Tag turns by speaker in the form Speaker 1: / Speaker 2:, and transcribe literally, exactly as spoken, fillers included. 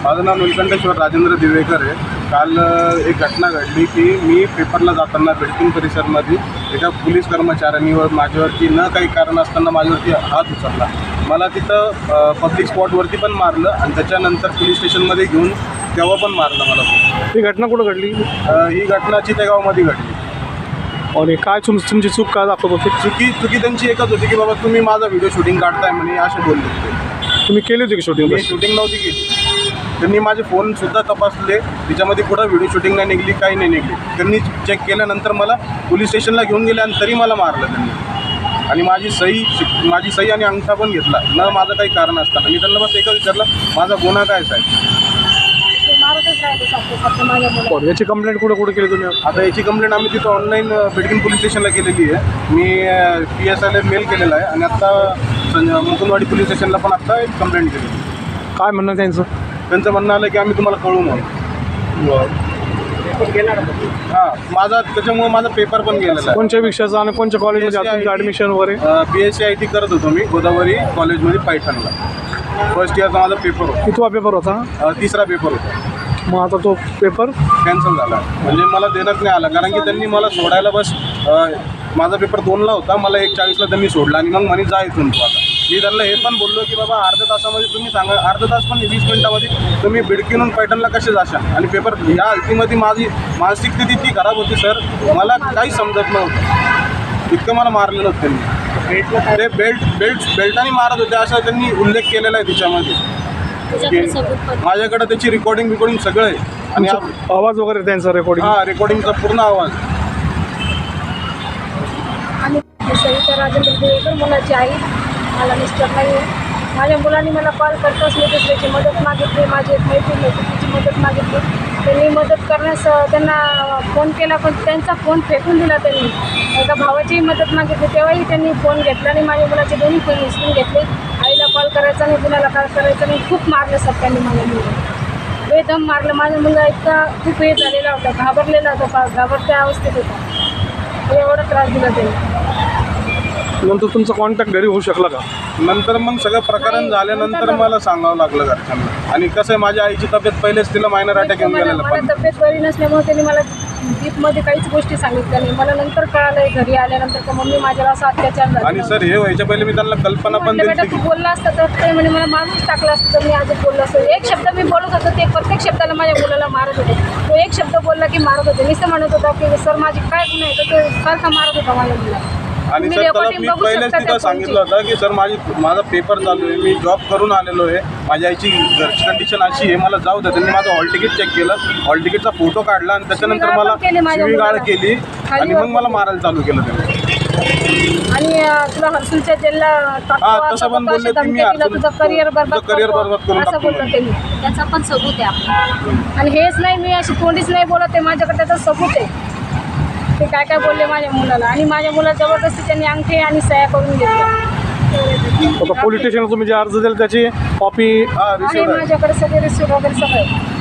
Speaker 1: माझं नाव नीलकंठेश्वर राजेंद्र दिवेकर आहे. काल एक घटना घडली की मी पेपरला जाताना बिल्डिंग परिसरमध्ये एका पोलीस कर्मचाऱ्यांनीवर माझ्यावरती न काही कारण असताना माझ्यावरती हात उचलला. मला तिथं पब्लिक स्पॉटवरती पण मारलं आणि त्याच्यानंतर पोलीस स्टेशनमध्ये घेऊन तेव्हा पण मारलं मला.
Speaker 2: ही घटना कुठं घडली?
Speaker 1: ही घटना चितेगावमध्ये घडली.
Speaker 2: आणि काय तुम तुमची चूक काय दाखवत होती?
Speaker 1: चुकी चुकी त्यांची एकच होती की बाबा तुम्ही माझा व्हिडिओ शूटिंग काढताय म्हणे असे बोलले होते.
Speaker 2: तुम्ही केली होती की शूटिंग?
Speaker 1: मी शूटिंग नव्हती केली. त्यांनी माझे फोनसुद्धा तपासले, त्याच्यामध्ये कुठं व्हिडिओ शूटिंग नाही निघली, काही नाही निघली. त्यांनी चेक केल्यानंतर मला पोलीस स्टेशनला घेऊन गेले आणि तरी मला मारलं त्यांनी. आणि माझी सही माझी सही आणि अंगठा पण घेतला न माझं काही कारण असताना. मी त्यांना बस एकच विचारलं, माझा गुन्हा काय साहेब?
Speaker 2: याची कंप्लेंट कुठं कुठे केली तुम्ही?
Speaker 1: आता याची कंप्लेंट आम्ही तिथं ऑनलाईन बिडकिन पोलीस स्टेशनला केलेली आहे. मी पी एस आयला मेल केलेला आहे आणि आत्ता मुकुंदवाडी पोलीस स्टेशनला पण आत्ता एक कंप्लेंट केली.
Speaker 2: काय म्हणणं त्यांचं?
Speaker 1: त्यांचं म्हणणं आलं की आम्ही तुम्हाला कळवू म्हणून. हां, माझा त्याच्यामुळे माझा पेपर पण गेलेला आहे.
Speaker 2: कोणत्या विषयाचा आणि कोणत्या कॉलेजमध्ये तुमचं ॲडमिशन वगैरे?
Speaker 1: B S C I T करत होतो मी गोदावरी कॉलेजमध्ये पैठणला. फर्स्ट इयरचा माझा पेपर होता.
Speaker 2: कितवा पेपर होता?
Speaker 1: तिसरा पेपर होता.
Speaker 2: मग आता तो पेपर
Speaker 1: कॅन्सल झाला, म्हणजे मला देण्यात नाही आला. कारण की त्यांनी मला सोडायला बस माझा पेपर दोनला होता, मला एक चाळीसला त्यांनी सोडला आणि मग म्हणे जा इथून तू. आता मी त्यांना हे पण बोललो की बाबा अर्ध्या तासामध्ये तुम्ही सांगा, अर्धा तास पण वीस मिनिटामध्ये तुम्ही बिडकीनून पैठणला कसे जाशाल? आणि पेपर ह्या अल्टीमध्ये माझी मानसिक स्थिती इतकी खराब होती सर, मला काही समजत नव्हतं. इतकं मला मारलेलं होतं त्यांनी. ते बेल्ट बेल्ट बेल्टाने मारत होते असं त्यांनी उल्लेख केलेला आहे तिच्यामध्ये. माझ्याकडे त्याची रेकॉर्डिंग बिकॉर्डिंग सगळं आहे. आणि
Speaker 2: आवाज वगैरे त्यांचा रेकॉर्डिंग?
Speaker 1: हां, रेकॉर्डिंगचा पूर्ण आवाज.
Speaker 3: आणि सविता राजेंद्र दिवेकर मुलाची आई, मला मिस्टर नाही आहे. माझ्या मुलांनी मला कॉल करताच मी दुसऱ्याची मदत मागितली. माझी एक मैत्रीण होती, तिची मदत मागितली. त्यांनी मदत करण्यास त्यांना फोन केला, पण त्यांचा फोन फेकून दिला. त्यांनी एका भावाचीही मदत मागितली, तेव्हाही त्यांनी फोन घेतला आणि माझ्या मुलाचे दोन्ही फोन विसरून घेतले. आईला कॉल करायचा नाही, कुणाला कॉल करायचा नाही. खूप मारलं सर त्यांनी माझ्या मुलं, बेदम मारलं. माझा मुलगा इतका खूप हे झालेला होता, घाबरलेला होता, घाबरत्या अवस्थेत होता. एवढा त्रास दिला त्यांनी.
Speaker 2: नंतर तुमचा कॉन्टॅक्ट घरी होऊ शकला का?
Speaker 1: नंतर मग सगळं प्रकरण झाल्यानंतर मला सांगावं लागलं घरच्यांना. आणि कसं आहे, माझ्या आईची तब्येत पहिलेच तिला मायनर अटॅक येऊन गेलेला.
Speaker 3: मला तब्येत बरी नसल्यामुळे त्यांनी मला डीपमध्ये काहीच गोष्टी सांगितल्या नाही. मला नंतर कळालं घरी आल्यानंतर का मम्मी माझ्यावर असा अत्याचार झाला.
Speaker 1: आणि सर हे व्हायच्या पहिले मी त्यांना कल्पना पण
Speaker 3: बेटा
Speaker 1: दिली
Speaker 3: तू बोलला असता तर ते म्हणे मला मारूनच टाकला असतं तर मी आज बोललो असतो. एक शब्द मी बोलत होतो, ते प्रत्येक शब्दाला माझ्या मुलाला मारत होते. तो एक शब्द बोलला की मारत होते. नुसतं म्हणत होता की सर माझी काय गुन्हा आहे, तर तो सारखा मारत होता माझ्या मुलाला.
Speaker 1: आणि सर त्याला मी पहिलेच तिथं सांगितलं होतं की सर माझी माझा पेपर चालू आहे, मी जॉब करून आलेलो आहे, माझ्या आईची घरची कंडिशन अशी आहे, मला जाऊ द्या. त्यांनी माझं हॉल तिकीट चेक केलं, हॉल तिकीटचा फोटो काढला आणि त्याच्यानंतर मला शिवीगाळ केली आणि मग मला मारायला चालू केलं त्यांनी.
Speaker 3: आणि तुला हर्सुलच्या जेलला
Speaker 1: हां, तसं पण बोलले तुम्ही
Speaker 3: तुझं करिअर बरबाद
Speaker 1: करिअर बरबाद करून
Speaker 3: असं बोललं त्यांनी. त्याचा पण सबूत आहे. आणि हेच नाही, मी अशी तोंडीच नाही बोलत आहे, माझ्याकडे त्याचा सबूत आहे. ते काय काय बोलले माझ्या मुलाला. आणि माझ्या मुलाला जबरदस्ती त्यांनी अंगठी आणि सह्या करून घेतल्या.
Speaker 2: आता पोलीस स्टेशनला तुम्ही जे अर्ज दिला त्याची कॉपी?
Speaker 3: आणि माझ्याकडे सगळे रिसिव्ह वगैरे सगळं